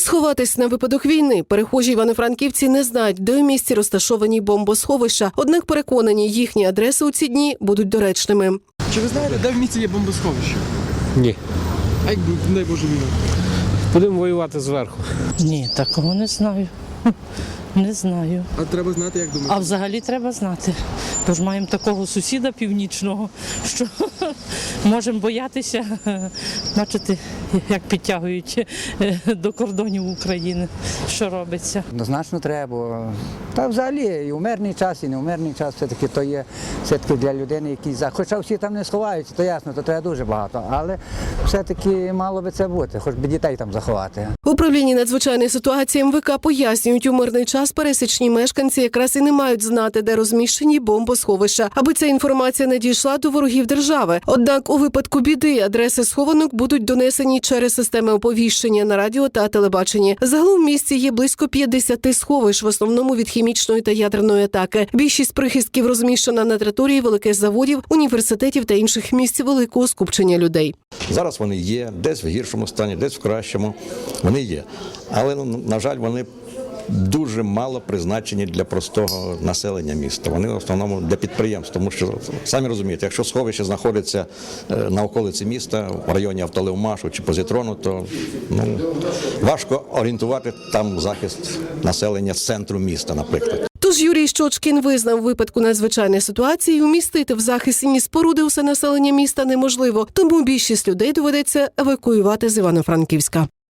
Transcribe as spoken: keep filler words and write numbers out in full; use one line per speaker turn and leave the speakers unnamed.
сховатись на випадок війни перехожі івано-франківці не знають, де у місті розташовані бомбосховища, однак переконані, їхні адреси у ці дні будуть доречними.
Чи ви знаєте, де в місті є бомбосховище?
Ні.
А якби, не Боже, війна?
Будемо воювати зверху.
Ні, такого не знаю. Не знаю.
А треба знати, як думаєте?
А взагалі треба знати. Бо ж маємо такого сусіда північного, що можемо боятися, бачити, як підтягують до кордонів України, що робиться.
Однозначно треба. Та взагалі і у мирний час, і не у мирний час все-таки то є все-таки для людини якийсь захист. Хоча всі там не сховаються, то ясно, то треба дуже багато. Але все-таки мало би це бути, хоч би дітей там заховати.
В управлінні надзвичайної ситуації ем ве ка пояснюють, у мирний час пересічні мешканці якраз і не мають знати, де розміщені бомбосховища, аби ця інформація не дійшла до ворогів держави. Однак у випадку біди адреси схованок будуть донесені через системи оповіщення на радіо та телебаченні. Загалом в місті є близько п'ятдесят сховищ, в основному від хімічної та ядерної атаки. Більшість прихистків розміщена на території великих заводів, університетів та інших місць великого скупчення людей.
Зараз вони є, десь в гіршому стані, десь в кращому. Вони є. Але, на жаль, вони дуже мало призначені для простого населення міста. Вони в основному для підприємств, тому що, самі розумієте, якщо сховище знаходиться на околиці міста, в районі Автолевмашу чи Позитрону, то ну, важко орієнтувати там захист населення з центру міста, наприклад.
Тож Юрій Щочкін визнав, у випадку надзвичайної ситуації умістити в захисні споруди усе населення міста неможливо, тому більшість людей доведеться евакуювати з Івано-Франківська.